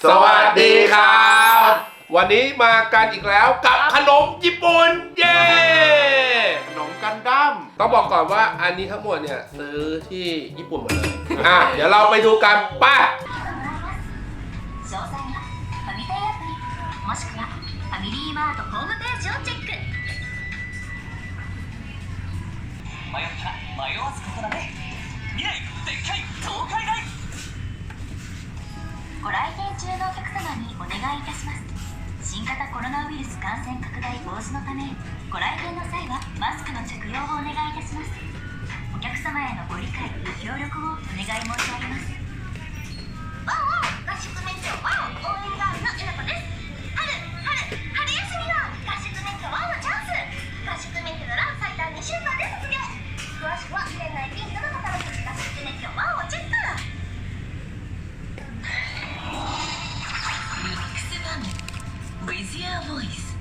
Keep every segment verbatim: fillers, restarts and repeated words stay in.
สวัสดีครับวันนี้มากันอีกแล้วกับขนมญี่ปุ่นเย้ขนมกันดั้มต้องบอกก่อนว่าอันนี้ทั้งหมดเนี่ยซื้อที่ญี่ปุ่นหมดเลยอ่ะเดี๋ยวเราไปดูกันป้าもしくはファミリーマートホームページをチェック迷った迷わずここだね未来でっかい東海大ご来店中のお客様にお願いいたします新型コロナウイルス感染拡大防止のためご来店の際はマスクの着用をお願いいたしますお客様へのご理解ご協力をお願い申し上げますワンワン合宿免許ワン応援ガールのえなこです春春春休みは合宿免許ワンのチャンス合宿免許なら最短にしゅうかんで卒業詳しくは店内ピンクのカタログ合宿免許ワンをチェックミックスファミ With your voice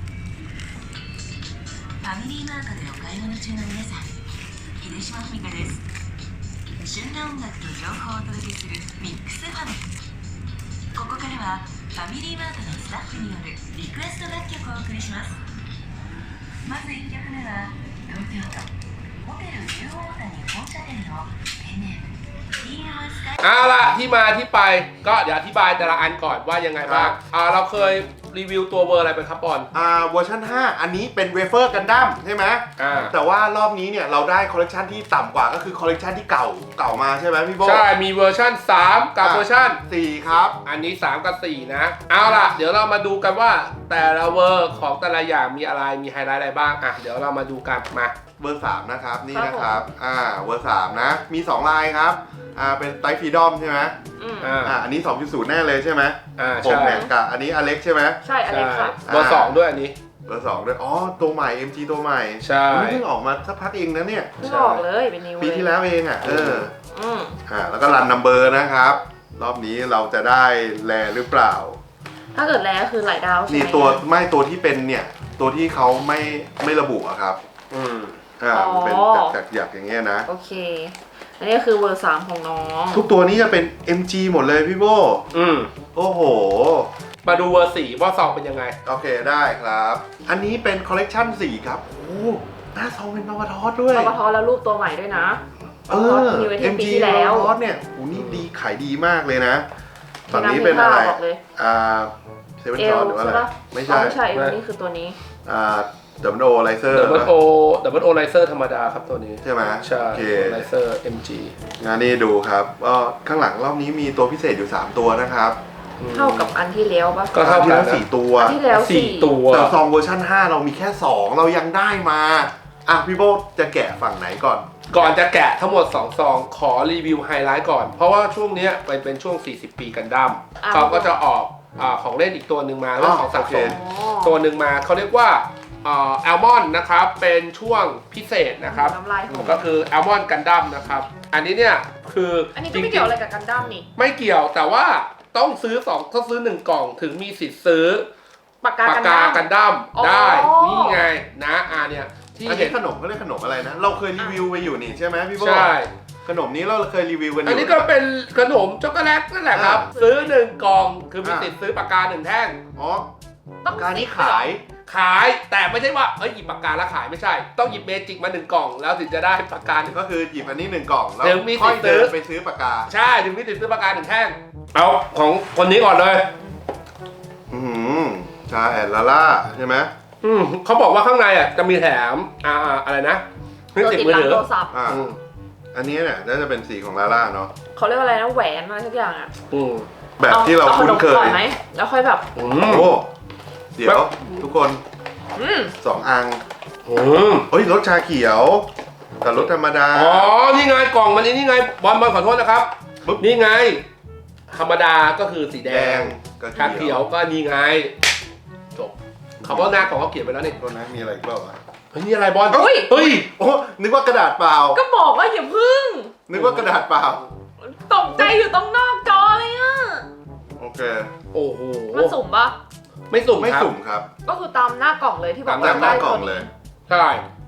ファミリーマートでお買い物中の皆さん秀島文香です旬な音楽と情報をお届けするミックスファミここからはファミリーマートのスタッフによるリクエスト楽曲をお送りしますまずいっきょくめは東京都ホテル竜王谷本社店のペンネームเอาล่ะที่มาที่ไปก็เดี๋ยวอธิบายแต่ละอันก่อนว่ายังไงบ้างอ่าเราเคยรีวิวตัวเวอร์อะไรไปครับบอลอ่าเวอร์ชันห้าอันนี้เป็นเวเฟอร์กันดั้มใช่ไหมอ่าแต่ว่ารอบนี้เนี่ยเราได้คอลเลกชันที่ต่ำกว่าก็คือคอลเลกชันที่เก่าเก่ามาใช่ไหมพี่โบใช่มีเวอร์ชันสามกับเวอร์ชันสี่ครับอันนี้สามกับสี่นะเอาล่ะเดี๋ยวเรามาดูกันว่าแต่ละเวอร์ของแต่ละอย่างมีอะไรมีไฮไลท์อะไรบ้างอ่ะเดี๋ยวเรามาดูกันมาเวอร์สามนะครับนี่นะครับอ่าเวอร์สามนะมีสองลายครับอ่าเป็นไตฟรีดอมใช่ไหมอ่าอันนี้ สองจุดศูนย์ แน่เลยใช่ไหมอ่าผมเนี่ยกับอันนี้อเล็กใช่ไหมใช่อเล็กค่ะเบอร์สองด้วยอันนี้เบอร์สองด้วยอ๋อตัวใหม่ เอ็ม จี ตัวใหม่ใช่เพิ่งออกมาสักพักเองนะเนี่ยเพิ่งออกเลยเป็นนิวปีที่แล้วเองอ่ะเอออืมอ่าแล้วก็รันนัมเบอร์นะครับรอบนี้เราจะได้แลหรือเปล่าถ้าเกิดแลก็คือหลายดาวใช่ไหมนี่ตัวไม่ตัวที่เป็นเนี่ยตัวที่เขาไม่ไม่ระบุอะครับอืมอ่าเป็นจากหยักอย่างเงี้ยนะโอเคอันนี้คือเวอร์สามของน้องทุกตัวนี้จะเป็น เอ็ม จี หมดเลยพี่โบอืมโอ้โหมาดูเวอร์สี่ว่าซองเป็นยังไงโอเคได้ครับอันนี้เป็นคอลเลกชันสี่ครับโอ้หน้าซองเป็นบาบาทอสด้วยบาบาทอสแล้วรูปตัวใหม่ด้วยนะเออ เอ็ม จี บาบาทอสเนี่ยโอ้นี่ดีขายดีมากเลยนะฝั่งนี้เป็นอะไรอ่าเซเว่นจอร์หรือว่าอะไรไม่ใช่ไม่ใช่เอลนี่คือตัวนี้อ่าดับเบิลโอไลเซอร์ดับเบิลโอดับเบิลโอไลเซอร์ธรรมดาครับตัวนี้ใช่ไหมใช่ไลเซอร์ เอ็ม จีงานนี้ดูครับก็ข้างหลังรอบนี้มีตัวพิเศษอยู่สามตัวนะครับเท่ากับอันที่แล้วปะก็เท่าที่แล้วสี่ตัวที่แล้วสี่ตัวแต่ซองเวอร์ชันห้าเรามีแค่สองเรายังได้มาอ่ะพี่โบจะแกะฝั่งไหนก่อนก่อนจะแกะทั้งหมดสองซองขอรีวิวไฮไลท์ก่อนเพราะว่าช่วงนี้เป็นเป็นช่วงสี่สิบปีกันดั้มเขาก็จะออกของเล่นอีกตัวหนึ่งมาเรื่องของสะสมตัวหนึ่งมาเขาเรียกว่าแอลมอนนะครับเป็นช่วงพิเศษนะครับก็คือแอลมอนกันดั้มนะครับอันนี้เนี่ยคืออันนี้ก็ไม่เกี่ยวอะไรกับกันดั้มนี่ไม่เกี่ยวแต่ว่าต้องซื้อสองต้องซื้อหนึ่งกล่องถึงมีสิทธิ์ซื้อปากกากันดั้มได้นี่ไงนะอ่าเนี่ยที่เห็นขนมเขาเรียกขนมอะไรนะเราเคยรีวิวไปอยู่นี่ใช่ไหมพี่โบใช่ขนมนี้เราเคยรีวิวกันอยู่อันนี้ก็เป็นขนมช็อกโกแลตนั่นแหละครับซื้อหนึ่งกล่องคือมีสิทธิ์ซื้อปากกาหนึ่งแท่งอ๋อปากกานี้ขายขายแต่ไม่ใช่ว่าเอ้ยหยิบปากกาแล้วขายไม่ใช่ต้องหยิบเมจิกมาหนึ่งกล่องแล้วถึงจะได้ปากกาก็คือหยิบอันนี้หนึ่งกล่องแล้วค่อยเดินไปซื้อปากกาใช่ถึงมีสิทธิ์ซื้อปากกาหนึ่งแท่งเอาของคนนี้ก่อนเลยอืมใช่ลาล่าใช่ไหมอืมเขาบอกว่าข้างในอ่ะจะมีแถมอ่าอะไรนะเครื่องติดมือถืออ่าอันนี้เนี่ยน่าจะเป็นสีของลาล่าเนาะเขาเรียกอะไรนะแหวนอะไรทุกอย่างอ่ะแบบที่เราคุ้นเคยไหมแล้วค่อยแบบโอ้เดี๋ยวทุกคนสองอังเฮ้ยรสชาเขียวแต่รสธรรมดาอ๋อนี่ไงกล่องมันนี่ไงบอลบอลขอโทษนะครับนี่ไงธรรมดาก็คือสีแดงชาเขียวก็นี่ไงจบเขาบอกหน้าของเขาเขียนไปแล้วนี่ตัวนั้นมีอะไรอีกบ้างวะเฮ้ยนี่อะไรบอลเฮ้ยเฮ้ยโอ้นึกว่ากระดาษเปล่าก็บอกว่าอย่าพึ่งนึกว่ากระดาษเปล่าตกใจอยู่ตรงนอกจอเลยอ่ะโอเคโอ้โหมันสุ่มปะไม่สุ่มไม่สุ่มครับก็คือตามหน้ากล่องเลยที่บอกตามหน้ากล่องเลยใช่โอเค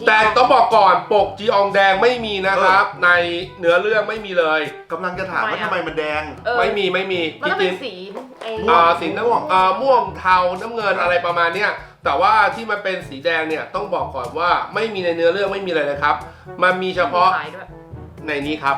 แต่ต้องบอกก่อนปกจีอองแดงไม่มีนะครับ ในเนื้อเรื่องไม่มีเลยกำลังจะถามว่าทำไมมันแดงเออไม่มีไม่มีมันก็จเป็รินงสีไอ้ๆอ่าสีน้ำอ่าม่วงเทาน้ำเงินอะไรประมาณเนี้ยแต่ว่าที่มันเป็นสีแดงเนี่ยต้องบอกก่อนว่าไม่มีในเนื้อเรื่องไม่มีอะไรเลยครับ มันมีเฉพาะขายด้วยในนี้ครับ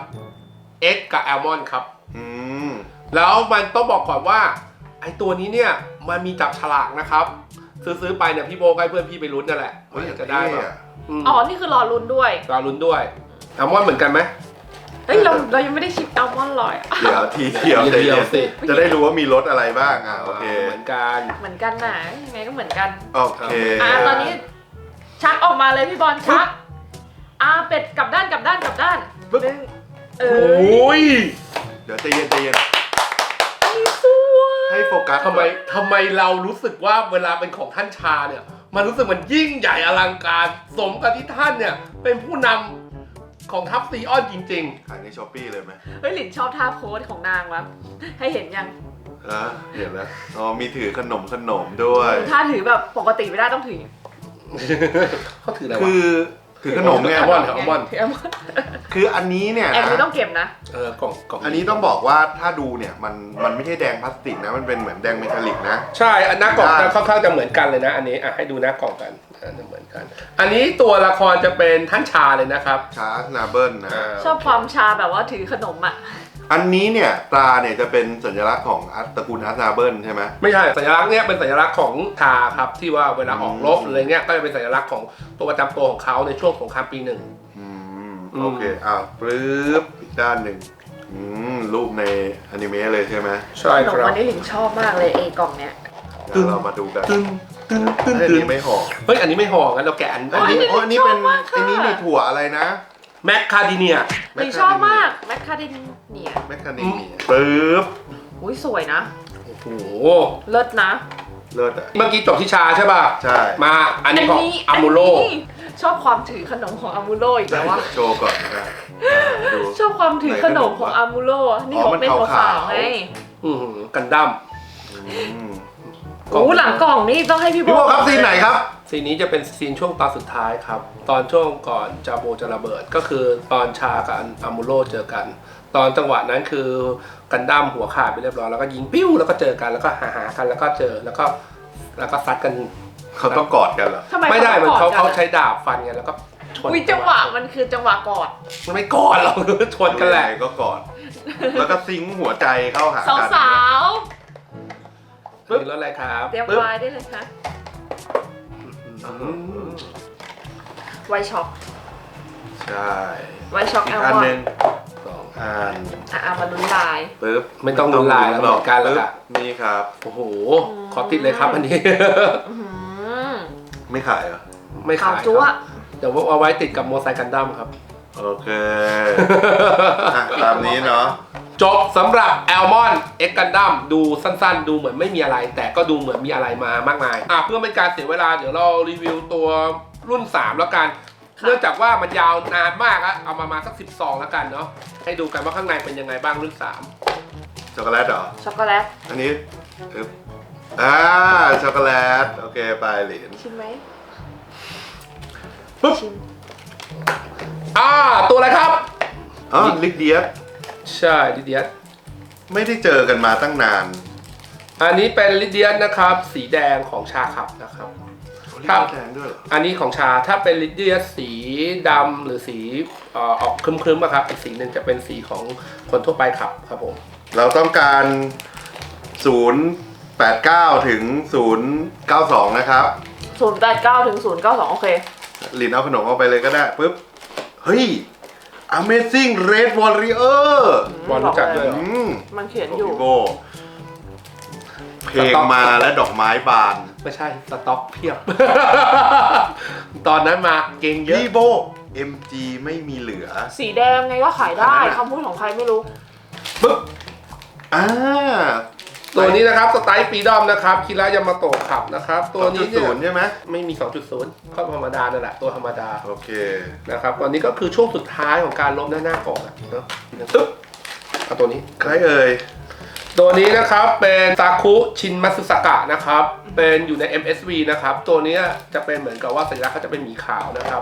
X กับแอลมอนครับอืมแล้วมันต้องบอกก่อนว่าไอตัวนี้เนี่ยมันมีจับฉลากนะครับ ซื้อๆไปเนี่ยพี่โบก็ให้เพื่อนพี่ไปลุ้นนั่นแหละว่าอยากจะได้แบบอ๋อ นี่คือรอลุ้นด้วยเราลุ้นด้วยแอลมอนเหมือนกันไหมเฮ้ย เราเรายังไม่ได้ชิมอัลมอนด์ลอยอ่ะเดี๋ยวทีเดียวทีเดียวสิจะได้รู้ว่ามีรสอะไรบ้างอ่ะโอเคเหมือนกันเหมือนกันนะยังไงก็เหมือนกันโอเคอ่าตอนนี้ชักออกมาเลยพี่บอลชักอ่าเป็ดกลับด้านกลับด้านกลับด้านหนึ่งเอโออ้ยเดี๋ยวใจเย็นใจเย็นสวยให้โฟกัสทำไมทำไมเรารู้สึกว่าเวลาเป็นของท่านชาเนี่ยมันรู้สึกมันยิ่งใหญ่อลังการสมกับที่ท่านเนี่ยเป็นผู้นำของทัพซีออนจริงขายในช้อปปี้เลยไหมเฮ้ยหลินชอบท่าโพสของนางวะให้เห็นยังอ่ะเห็นแล้วอ๋อมีถือขนมขนมด้วยท่าถือแบบปกติไม่ได้ต้องถือๆ เขาถืออะไรคืวะอถือขนมไงแอลมอนด์แอลมอนด์ถือแอลมอนด์คืออันนี้เนี่ยแอลไม่นะต้องเก็บนะเออกล่องกล่องอันนี้ต้องบอกว่าถ้าดูเนี่ยมันมันไม่ใช่แดงพลาสติกนะมันเป็นเหมือนแดงเมทัลลิกนะใช่อันหน้ากล่องได้จะค่อนข้างจะเหมือนกันเลยนะ อันนี้อ่ะให้ดูหน้ากล่องกันอ่ะจะเหมือนกัน อันนี้ตัวละครจะเป็นท่านชาเลยนะครับชาร์สนาเบิลนะาชอบความชาแบบว่าถือขนมอ่ะอันนี้เนี่ยตราเนี่ยจะเป็นสัญลักษณ์ของอาร์ตตระกูลอาร์ตนาเบิลใช่ไหมไม่ใช่สัญลักษณ์เนี้ยเป็นสัญลักษณ์ของชาครับที่ว่าเวลาออกรบอืมอะไรเงี้ยก็จะเป็นสัญลักษณ์ของตัวประจำตัวของเขาในช่วงสงครามปีหนึ่งอืมอืมโอเคอ้าวปลื้บอีกด้านหนึ่งอืมรูปในอนิเมะเลยใช่ไหมใช่ขนคมรับวันนี้หลินชอบมากเลยเอกล่องเนี้ยเดี๋ยวเรามาดูกันตึ้งตึ้งตึ้งอันตึ้งนี้ไม่ห่อเฮ้ยอันนี้ไม่ห่องั้นเราแกะอันอันนี้อันนี้อ๋ออันนี้เป็นชอบมากค่ะอันนี้มีถั่วอะไรนะแมคคาดิเนียหลินชอบมากแมคคาเดเนียแมคคาเนเมียปึ๊บอุ้ยสวยนะโอ้โหเลิศนะเลิศอ่ะเมื่อกี้จบที่ชาใช่ป่ะใช่มาอันนี้ของอามูโรอันนี้ชอบความถือขนมของอามูโรอีกแล้ววะโชว์ก่อนนะอ่าดูชอบความถือขนมของอามูโรนี่อ๋อของมันเป็นขาวๆขาวๆไงอือหือกันดั้มอืมโอ้หลังกล่องนี่ต้องให้พี่โบพี่โบครับซีนไหนครับซีนนี้จะเป็นซีนช่วงตอนสุดท้ายครับ ตอนช่วงก่อนจาโบจะระเบิดก็คือตอนชากับอามูโรเจอกัน ตอนจังหวะนั้นคือกันดั้มหัวขาดไปเรียบร้อยแล้วก็ยิงปิ้วแล้วก็เจอกันแล้วก็หาหากันแล้วก็เจอแล้วก็แล้วก็ซัดกันเขาต้องกอดกันเหรอทำไมไม่ได้มันเขากอเขาดกันใช้ดาบฟันกันแล้วก็ชนอุ้ยจังหวะมันคือจังหวะกอดมันไม่กอดหรอก ชนกันแหละยังไงก็กอด แล้วก็ซิงค์หัวใจเข้าหาสาวกันสาวปึ๊บแล้วอะไรครับๆเตรียมปึ๊บไวน์ได้เลยค่ะอืมไวน์ช็อกใช่ไวน์ช็อกอีแอก ลอันมอนหนึ่งด์สองอันอ่ะเอามาลุ้นลายปึ๊บไม่ต้องลุ้นลายแล้วเหมือนกันแล้วปึ๊บค่ะนี่ครับโอ้โหขอติดเลยครับอันนี้อื้อหือไม่ขายเหรอไม่ขาขาวย จั๊วครับเดี๋ยวเอาไว้ติดกับโมไซค์กันดั้มครับโอเคอ่ะตามนี้เนาะจบสำหรับแอลมอนเอ็กกันดั้มดูสั้นๆ ดูเหมือนไม่มีอะไร แต่ก็ดูเหมือนมีอะไรมามากมายอ่ะเพื่อไม่การเสียเวลาเดี๋ยวเรารีวิวตัวรุ่นสามแล้วกัน เนื่องจากว่ามันยาวนานมากอะเอามามาสักสิบซองแล้วกันเนาะให้ดูกันว่าข้างในเป็นยังไงบ้างรุ่นสามช็อกโกแลตเหรอช็อกโกแลตอันนี้อึ๊บอ่าช็อกโกแลตโอเคไปเหรียญชิมไหมปึ๊บชิมอ่าตัวอะไรครับอ๋อลิกเดียสใช่ลิเดียสไม่ได้เจอกันมาตั้งนานอันนี้เป็นลิเดียสนะครับ สีแดงของชาขับนะครับ ครับแดงด้วยเหรออันนี้ของชาถ้าเป็นลิเดียสสีดำหรือสีเอ่อออกครึ้มๆอะครับอีกสีหนึ่งจะเป็นสีของคนทั่วไปขับครับผมเราต้องการ ศูนย์แปดเก้า ถึง ศูนย์เก้าสอง นะครับศูนย์แปดเก้าถึงศูนย์เก้าสองโอเคลินเอาขนมเอาไปเลยก็ได้ปุ๊บ เฮ้ย Amazing Red Warrior บอลรู้จักด้วยเหรออืมมันเขียนของอยู่พี่โบเพลงมาและดอกไม้บานไม่ใช่สต็อกเพียบ ตอนนั้นมาเก่งเยอะพี่โบ เอ็ม จี ไม่มีเหลือสีแดงไงก็ขายได้อันนั้นอะคำพูดของใครไม่รู้ปึ๊บอ่าตัวนี้นะครับสไตล์ปีดอมนะครับคิระยามาโตะขับนะครับ ตัวนี้เนี่ศูยนย์ใช่ไหมไม่มี สองจุดศูนย์ ก็ธรรมดานั่นแหละตัวธรรมดาโอเคนะครับตัวนี้ก็คือช่วงสุดท้ายของการลบหน้าหน้ากล่องอะเนาะปึ๊บเอาตัวนี้ใครเอ่ยตัวนี้นะครับเป็นซาคุชินมัตสึสกะนะครับเป็นอยู่ใน เอ็ม เอส วี นะครับตัวนี้จะเป็นเหมือนกับว่าสัญลักษณ์เขาจะเป็นหมีขาวนะครับ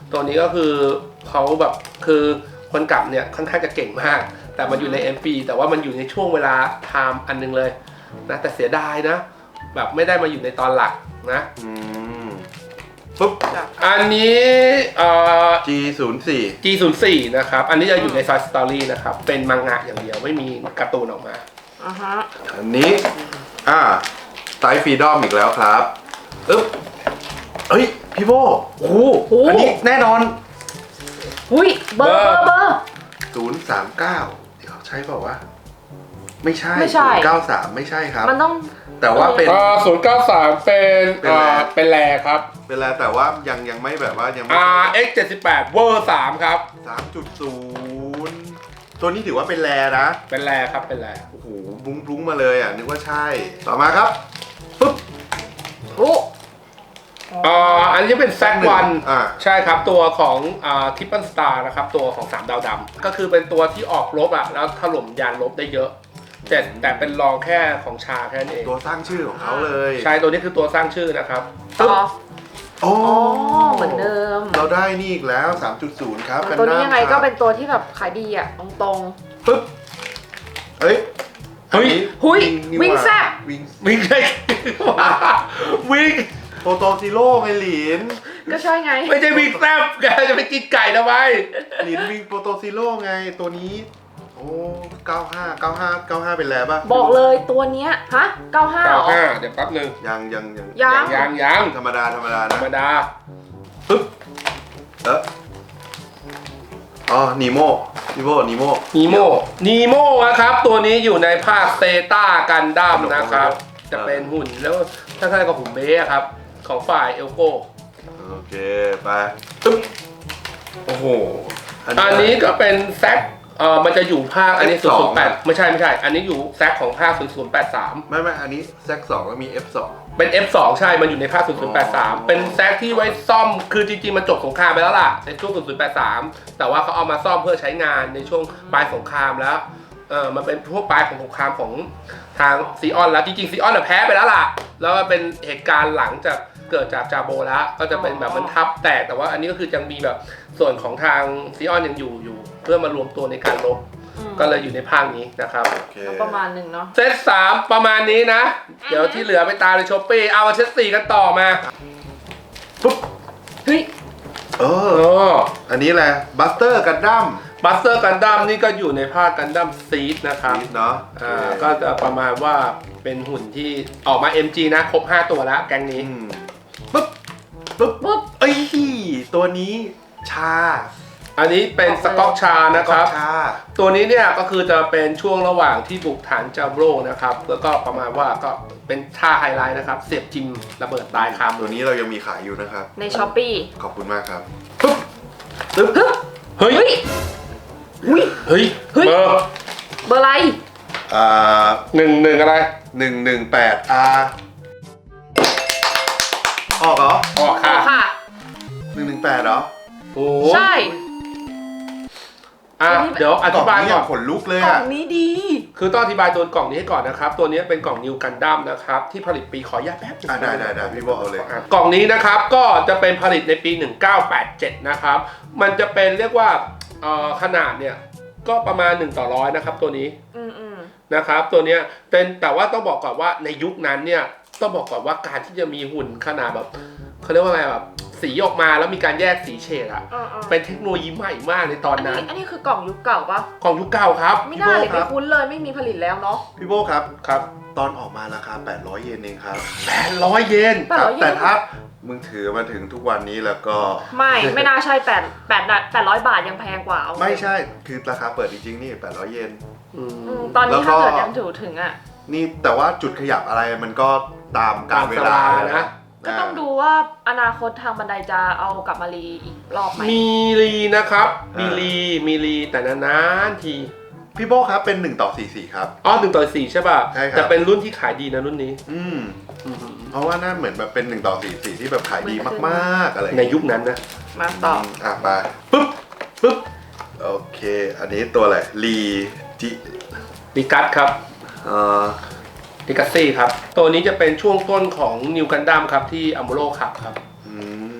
ตัวนี้ก็คือเขาแบบคือคนกลับเนี่ยค่อนข้างจะเก่งมาก แต่มันอยู่ใน เอ็ม พี แต่ว่ามันอยู่ในช่วงเวลาไทม์อันนึงเลยนะแต่เสียดายนะแบบไม่ได้มาอยู่ในตอนหลักนะอืมปุ๊บอันนี้เอ่อจี ศูนย์ สี่จี ศูนย์ สี่ นะครับอันนี้จะอยู่ในซอยสตอรี่นะครับเป็นมังงะอย่างเดียวไม่มีการ์ตูนออกมาอ่าฮะอันนี้อ่าไตฟรีดอมอีกแล้วครับอึ๊บเฮ้ยพี่โบโอ้โหอันนี้แน่นอนอุ้ยเบอร์เบอร์เบอร์ศูนย์ สาม เก้าเดี๋ยวใช่เปล่าวะไม่ใช่ไม่ใช่ศูนย์ เก้า สาม ไม่ใช่ครับมันต้องแต่ว่าเป็นอ่าศูนย์เก้าสามเป็นเป็นแรอ่าเป็นแรครับเป็นอะไรแต่ว่ายังยังไม่แบบว่ายังไม่อ่า เอ็กซ์ เจ็ดสิบแปด เวอร์สามครับสามจุดศูนย์ ตัวนี้ถือว่าเป็นแรนะเป็นแรครับเป็นแรโอ้โหบุ้งบุ้งมาเลยอ่ะนึกว่าใช่ ต่อมาครับปุ๊บโอ้อ่าอันนี้เป็นแซกวันอ่าใช่ครับตัวของอ่าทิปเปิลสตาร์นะครับตัวของสามดาวดำก็คือเป็นตัวที่ออกรบอ่ะแล้วถล่มยานรบได้เยอะแต่แต่เป็นรองแค่ของชาแค่นั้นเองตัวสร้างชื่อของเขาเลยใช่ตัวนี้คือตัวสร้างชื่อนะครับต่อโอ้อ๋อเหมือนเดิมเราได้นี่อีกแล้ว สามจุดศูนย์ ครับตัวนี้ยังไงครับก็เป็นตัวที่แบบขายดีอ่ะตรงปึ๊บเฮ้ยเฮ้ยหุยนี่วิ่งว่าแซ่บวิ่งวิ่งได้วิ่งโปรโตซิโร่ไงหลินๆก็ใช่ไงไม่ใช่วิ่งแซบแกจะไปกินไก่ทำไมหลินวิ่งโปรโตซิโร่ไงตัวนี้ โอ้เก้าห้า เก้าห้า เก้าห้าเป็นแล้วป่ะบอกเลยตัวเนี้ยฮะเก้าห้าเหรอเก้าห้าเดี๋ยวแป๊บนึงยังยังยังยังยังยังธรรมดาธรรมดาธรนะรมดาปึ๊บเอออ๋อนีโมนีโมนีโมนีโมนีโมนะครับตัวนี้อยู่ในภาคเซต้ากันดั้มนะครับ จะเป็นหุ่นแล้วถ้าใครกับหุ่นเบ้ครับ ของฝ่ายเอลโก้โอเคไปปึ๊บโอ้โหอันนี้ก็เป็นแซกเอ่อมันจะอยู่ภาคอันนี้เอฟศูสนองย์ศูนย์แปดไม่ใช่ไม่ใช่ อันนี้อยู่แซกของภาคศูนย์ศูนย์แปดสามไม่ไม่อันนี้แซกสองแล้วมี เอฟ สองเป็น เอฟ สอง ใช่ มันอยู่ในภาคศูนย์ศูนย์แปดสามอ๋อเป็นแซกที่ไว้ซ่อมคือจริงๆมันจบสงครามไปแล้วล่ะในช่วงศูนย์ศูนย์แปดสามแต่ว่าเขาเอามาซ่อมเพื่อใช้งานในช่วงปลายสงครามแล้วเออมันเป็นพวกปลายของสงครามของทางซีออนแล้วจริงๆซีออนแพ้ไปแล้วล่ะแล้วมันเป็นเหตุการณ์หลังจากเกิดจากจาโบแล้วก็จะเป็นแบบมันทับแตกแต่ว่าอันนี้ก็คือยังมีแบบส่วนของทางซีออนยังอยู่อยู่ เพื่อมารวมตัวในการรบอืมก็เลยอยู่ในภาคนี้นะครับโอเคประมาณหนึ่งเนาะเซตสามประมาณนี้นะ เดี๋ยวที่เหลือไปตามในช้อปปี้เอามาเซตสี่กันต่อมาปุ๊บเฮ้ยเอโอ้ออันนี้แหละบัสเตอร์กันดั้มบัสเตอร์กันดั้มนี่ก็อยู่ในภาคกันดั้มซีดนะครับเนาะอ่าก็จะประมาณว่าเป็นหุ่นที่ออกมา เอ็ม จี นะครบห้าตัวแล้วแก๊งนี้อืมปุ๊บปุ๊บปุ๊บเอ้ยตัวนี้ชาอันนี้เป็นสก๊อกชานะครับชาตัวนี้เนี่ยก็คือจะเป็นช่วงระหว่างที่บุกฐานจาโบรนะครับ แล้วก็ประมาณว่าก็เป็นท่าไฮไลท์นะครับ เสียบจิมระเบิดตายคำตัวนี้เรายังมีขายอยู่นะครับในช้อปปี้ขอบคุณมากครับปุ๊บปึ๊บเฮ้ยเฮ้ยอุ้ยเฮ้ยเฮ้ยเบอร์เบอร์อะไรอ่าหนึ่งหนึ่งอะไรหนึ่งหนึ่งแปดอาออกเหรอออกอ๋ค่ะอค่ะหนึ่งหนึ่งแปดเหรอโอ้ใช่อ่ะเดี๋ยวอธิบายนี้ก่อนขนลุกเลยกล่ออ่ะงนี้ดีคือต้องอธิบายตัวกล่องนี้ให้ก่อนนะครับ ตัวนี้เป็นกล่องนิวกันดั้มนะครับ ที่ผลิตปีขออนุญาตแป๊บนึงอ่ะได้ได้ได้พี่บอกเอาเลยอ่ะกล่องนี้นะครับก็จะเป็นผลิตในปี หนึ่งเก้าแปดเจ็ด นะครับ มันจะเป็นเรียกว่าเอ่อขนาดเนี่ยก็ประมาณหนึ่งต่อร้อยนะครับตัวนี้อืมอืมนะครับตัวเนี้ยเป็นแต่ว่าต้องบอกก่อนว่าในยุคนั้นเนี่ยต้องบอกก่อนว่าการที่จะมีหุ่นขนาดแบบเขาเรียกว่าอะไรแบบสีออกมาแล้วมีการแยกสีเฉดอะอ่าๆเป็นเทคโนโลยีใหม่มากในตอนอันนั้นี้นอันนี้คือกล่องยุคเก่าปะของยุคเก่าครับไม่น่าเลยไม่คุ้นเลยไม่มีผลิตแล้วเนาะพี่โบครับครับตอนออกมาราคาแปดร้อยเยนเองครับแปดร้อยเยนแปดร้อยเยนแต่ถ้ามึงถือมาถึงทุกวันนี้แล้วก็ไม่ไม่น่าใช่แปดแปดแปดร้อยบาทยังแพงกว่าเอาไม่ใช่คือราคาเปิดจริงๆนี่แปดร้อยเยนอืมอืมตอนแล้นี้วก็ถ้าเกิดยังถือถึงอ่ะนี่แต่ว่าจุดขยับอะไรมันก็ตามกาลเวลาตามสลานะก็ต้องดูว่าอนาคตทางบันไดจะเอากลับมารีอีกรอบไหมมีรีนะครับมีรีมีรีแต่นานๆทีพี่โบครับเป็นหนึ่งต่อสี่สี่ครับอ๋อหนึ่งต่อสี่ใช่ป่ะใช่ครับแต่เป็นรุ่นที่ขายดีนะรุ่นนี้อืมอืมเพราะว่าน่าเหมือนแบบเป็นหนึ่งต่อสี่สี่ที่แบบขายดีมากๆอะไรอย่างในเงี้ยยุคนั้นนะมาต่อมอ่ะไปปุ๊บปุ๊บโอเค อันนี้ตัวอะไรลีจิดิกัสครับเอ่อดิกัสซี่ครับตัวนี้จะเป็นช่วงต้นของนิวกันดั้มครับที่อัมโบโรขับครับอืม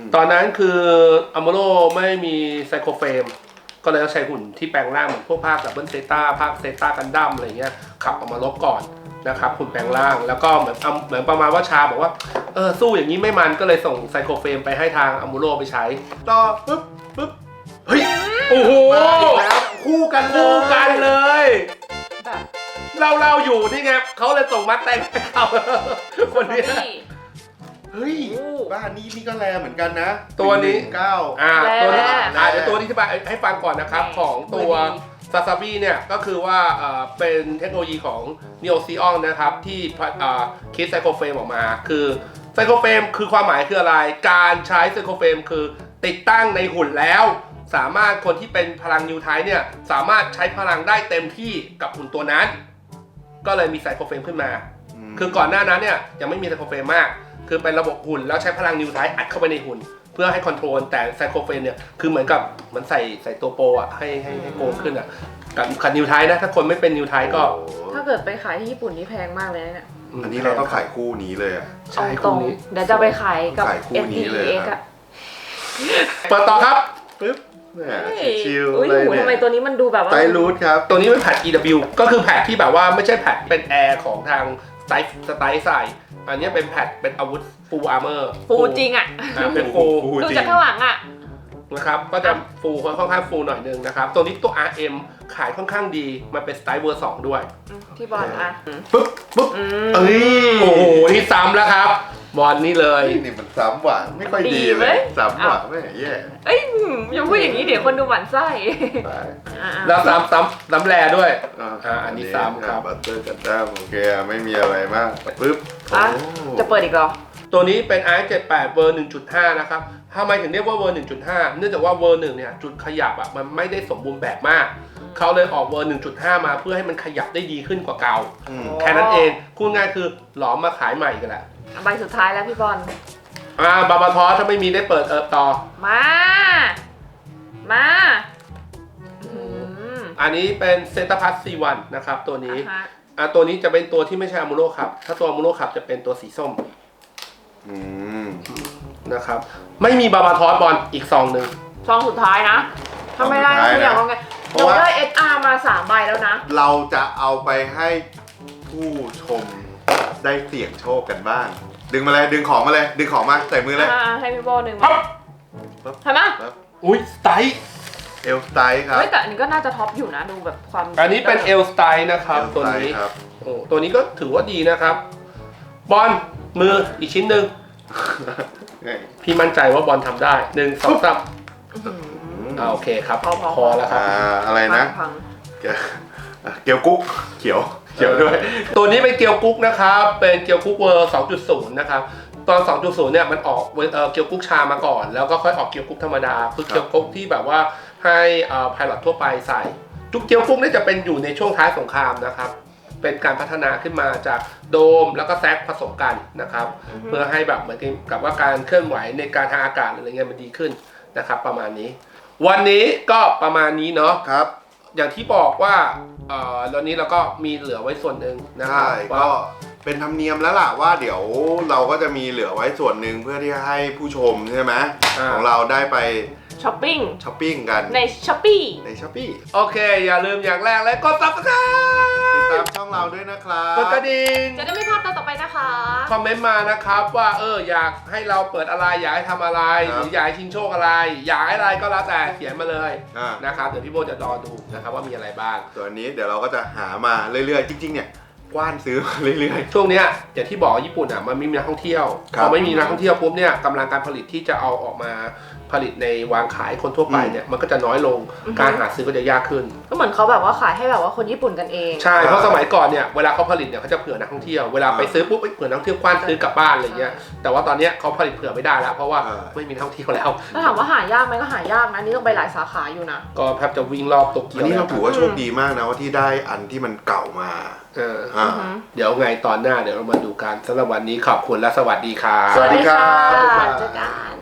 ตอนนั้นคืออัมโมโรไม่มีไซโคเฟรมก็เลยต้องใช้หุ่นที่แปลงร่างเหมือนพวกภาคดับเบิลเซต้าภาคเซต้ากันดั้มอะไรเงี้ยขับออกมารบก่อนนะครับหุ่นแปลงร่างแล้วก็เหมือนเหมือนประมาณว่าชาบอกว่าเออสู้อย่างนี้ไม่มันก็เลยส่งไซโคเฟรมไปให้ทางอัมโมโรไปใช้ต่อปึ๊บปึ๊บเฮ้ยโอ้โหแล้วคู่กันเลยคู่กันเลยแบบเราเราอยู่นี่ไงเขาเลยส่งมาแต่งให้เขาคนนี้นี่เฮ้ยโอ้บ้านนี้นี่ก็แลเหมือนกันนะตัวนี้เก้าอ่าแร่ตัวนี้แร่อ่าเดี๋ยวตัวนี้อธิบายให้ฟังก่อนนะครับแร่ของตัวมือดีซาซาบิเนี่ยก็คือว่าเอ่อเป็นเทคโนโลยีของ Neo Xeon นะครับที่เอ่อคิดไซโคเฟรมออกมาคือไซโคเฟรมคือความหมายคืออะไร การใช้ไซโคเฟรมคือติดตั้งในหุ่นแล้ว สามารถคนที่เป็นพลังนิวไทป์เนี่ยสามารถใช้พลังได้เต็มที่กับหุ่นตัวนั้น ก็เลยมีไซโคเฟรมขึ้นมา คือก่อนหน้านั้นเนี่ยยังไม่มีไซโคเฟรมมาก คือเป็นระบบหุ่นแล้วใช้พลังนิวไทป์อัดเข้าไปในหุ่น เพื่อให้คอนโทรลแต่ไซโคเฟรมเนี่ยคือเหมือนกับเหมันใส่ใส่ตัวโปรอ่ะให้ให้ให้โกงขึ้นอ่ะกับขัดนิวไทป์นะถ้าคนไม่เป็นนิวไทป์ก็ถ้าเกิดไปขายที่ญี่ปุ่นนี่แพงมากเลยนะเนี่ยอันนี้เราต้องขายคู่นี้เลยอะใช่ตรคู่งนี้เดี๋ยวจะไปขายกับขายคู่เอ็นนี้ดีเลยเอ็กครัอะบเปิดต่อครับปึ๊บแหมชิวอุ้ยๆเลยหูเนี่ทำไมยตัวนี้มันดูแบบว่าไตรรูทครับตัวนี้เป็นแพด อี ดับเบิลยู ก็คือแพดที่แบบว่าไม่ใช่แพดเป็นแอร์ของทางสไตล์สไตล์ใส่อันนี้เป็นแพดเป็นอาวุธ full armor ฟูจริงอะอ่าเป็น full ฟูดูจริงจากข้างหลังอะนะครับก็จะฟูค่อนข้างฟูหน่อยนึงนะครับตัวนี้ตัว อาร์ เอ็ม ขายค่อนข้างดีมันเป็นสไตล์เวอร์สองด้วยอืมที่บอลอะปึ๊บปึ๊บอืมเอ้ยโอ้โหนี่ซ้ำแล้วครับบอลนี่เลยนี่มันซ้ำหวานไม่ค่อยดีดีเลเว้ยยซ้ำหวานแม่แย่เอ้ยอย่าพูดอย่างนี้เดี๋ยวคนดูหมั่นไส้ไปอ่ะๆแล้วซ้ำซ้ำซ้ำแรด้วยอ่าอ่าอันนี้ซ้ำครับบัตเตอร์กันด้ามโอเคไม่มีอะไรมากปึ๊บอ่ะโอ้จะเปิดอีกเหรอตัวนี้เป็น อาร์ เจ็ดสิบแปด เวอร์ หนึ่งจุดห้า นะครับทำไมถึงเรียกว่าเวอร์ หนึ่งจุดห้า เนื่องจากว่าเวอร์ หนึ่งเนี่ยจุดขยับอ่ะมันไม่ได้สมบูรณ์แบบมาก เขาเลยออกเวอร์ หนึ่งจุดห้า มาเพื่อให้มันขยับได้ดีขึ้นกว่าเก่าอืมแค่นั้นเองพูดง่ายคือหลอมมาขายใหม่กันแหละใบสุดท้ายแล้วพี่บอลอ่าบาบาทอถ้าไม่มีได้เปิดเอิบต่อมา มาอืมอันนี้เป็นเซตาพัสซีวันนะครับตัวนี้อ่ะฮะอ่าตัวนี้จะเป็นตัวที่ไม่ใช่อามูโรครับถ้าตัวอามูโรครับจะเป็นตัวสีส้มอืมนะครับไม่มีบาบาทอสบอลอีกซองหนึ่งซองสุดท้ายนะถ้าไม่ได้ก็คืออย่างว่าไงเราได้ เอส อาร์ มาสามใบแล้วนะเราจะเอาไปให้ผู้ชมได้เสี่ยงโชคกันบ้าง ดึงมาเลยดึงของมาเลย ดึงของมาใส่มือเลยอ่าให้พี่โบหนึ่งปั๊มาปั๊บใช่ไหมปั๊บอุ้ยสไตล์เอลสไตล์ครับเฮ้ยแต่อันนี้ก็น่าจะท็อปอยู่นะดูแบบความอันนี้เป็นเอลสไตล์นะครับเอลสตัวไตล์นี้ครับโอ้ตัวนี้ก็ถือว่าดีนะครับ บอลมืออีกชิ้นหนึ่งพี่มั่นใจว่าบอลทำได้หนึ่งสองสามอื้อหืออ่าโอเคครับพอพอพอแล้วครับอ่าอะไรนะพังเกียวเกียวกุ๊กเขียวเขียวด้วยตัวนี้เป็นเกียวกุ๊กนะครับเป็นเกียวกุ๊กเวอร์ สองจุดศูนย์ นะครับตอน สองจุดศูนย์ เนี่ยมันออกเอ่อเกียวกุ๊กชามาก่อนแล้วก็ค่อยออกเกียวกุ๊กธรรมดาคือเกียวกุ๊กที่แบบว่าให้พายロทั่วไปใส่ทุกเกียวกุ๊กเนี่ยจะเป็นอยู่ในช่วงท้ายสงครามนะครับเป็นการพัฒนาขึ้นมาจากโดมแล้วก็แซกผสมกันนะครับๆเพื่อให้แบบเหมือนกับว่าการเคลื่อนไหวในการทางอากาศอะไรเงี้ยมันดีขึ้นนะครับประมาณนี้ วันนี้ก็ประมาณนี้เนาะครับอย่างที่บอกว่าเอ่อตอนนี้เราก็มีเหลือไว้ส่วนหนึ่งนะครัใช่บว่าก็เป็นธรรมเนียมแล้วล่ะว่าเดี๋ยวเราก็จะมีเหลือไว้ส่วนหนึ่งเพื่อที่จะให้ผู้ชมใช่ไหมอ่าของเราได้ไปช้อปปิ้งช้อปปิ้งกันในช้อปปี้ในช้อปปี้โอเค อย่าลืมอย่างแรกเลยกด ซับสไครติดบ์ตามช่องเราด้วยนะครับกดกระดิ่งจะได้ไม่พลาดตอนต่อไปนะคะคอมเมนต์มานะครับว่าเอออยากให้เราเปิดอะไรอยากให้ทำอะไรหรืออยากให้ชิงโชคอะไร อยากให้อะไรก็แล้วแต่เขียนมาเลยอ่านะครับเดี๋ยวพี่โบจะรอดูนะครับว่ามีอะไรบ้างตัวนี้เดี๋ยวเราก็จะหามาเรื่อยๆ จริงๆ เนี่ยกว้านซื้อมาเรื่อยช่วงเนี้ยอย่างที่บอกญี่ปุ่นอ่ะมันไม่มีนักท่องเที่ยวครัพบอไม่มีนักท่องเที่ยวปุ๊บเนี่ยกำลังการผลิตที่จะเอาออกมาผลิตในวางขายคนทั่วไปเนี่ยมันก็จะน้อยลงอือฮึการหาซื้อก็จะยากขึ้นก็เหมือนเขาแบบว่าขายให้แบบว่าคนญี่ปุ่นกันเองใช่เพราะสมัยก่อนเนี่ยเวลาเขาผลิตเนี่ยเขาจะเผื่อนักท่องเที่ยวเวลาไปซื้อปุ๊บเอ้ยเผื่อนักท่องเที่ยวกว้านซื้อกลับบ้านอะไรเงี้ยแต่ว่าตอนเนี้ยเขาผลิตเผื่อไม่ได้แล้ว เพราะว่าไม่มีนักท่องเที่ยวแล้วถ้าถามว่าหายากไหมก็หายากนะนี่ต้องไปหลายสาขาอยู่นะก็แทบจะวิ่งรอบโตๆเกีอัยนวนี้แล้เราวถือว่าโชคดีมากนะว่าที่ได้อันที่มันเก่ามาเอออ่าอือหือเดี๋ยวไงตอนหน้าเดี๋ยวเรามาดูกันสำหรับวันนี้ขอบคุณและสวัสดีครับสวัสดีครับสวัสดีบ๊ายบาค่ะยเจอกัน